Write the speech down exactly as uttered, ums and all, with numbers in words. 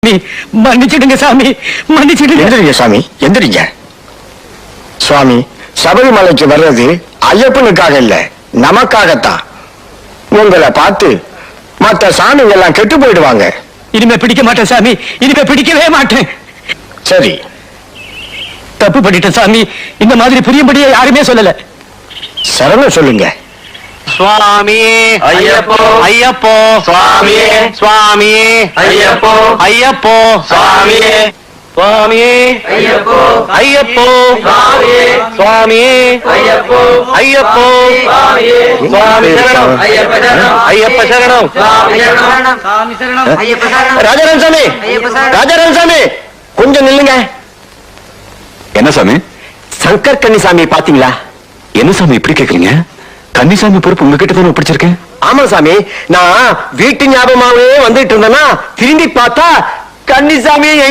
மன்னிச்சிடுங்க சாமி, மன்னிச்சிடுங்க. எந்திரிங்க சாமி, எந்திரிங்க. சுவாமி, சபரிமலைக்கு வர்றது ஐயப்பனுக்காக இல்ல, நமக்காகத்தான். உங்களை பார்த்து மற்ற சாமிங்க எல்லாம் கெட்டு போயிடுவாங்க. இனிமே பிடிக்க மாட்டேன் சாமி, இனிமே பிடிக்கவே மாட்டேன். சரி, தப்பு பண்ணிட்டேன் சாமி. இந்த மாதிரி புரியும்படியே யாருமே சொல்லல. சரணம் சொல்லுங்க. சுவாமியே ஐயப்போ ஐயப்போ சுவாமியே சுவாமியே ஐயப்போ ஐயப்போ சுவாமியே சுவாமியே ஐயப்போ ஐயப்போ சுவாமியே சுவாமியே ஐயப்போ ஐயப்போ சுவாமியே சுவாமி சரணம் ஐயப்ப சரணம் ஐயப்ப சரணம் சுவாமி சரணம் சாமி சரணம் ஐயப்ப சரணம் ராஜாராம் சாமி, ஐயப்ப சரணம். ராஜாராம் சாமி, கொஞ்சம் நில்லுங்க. என்ன சாமி? சங்கர் கன்னிசாமி பாத்தீங்களா? என்ன சாமி இப்படி கேக்குறீங்க? கன்னிசாமி பொறுப்பு உங்ககிட்ட தானே ஒப்படைச்சிருக்கேன். ஆமா சாமி, நான் வீட்டு ஞாபகமாவே வந்துட்டு இருந்தேன்னா திரும்பி பார்த்தா கன்னிசாமி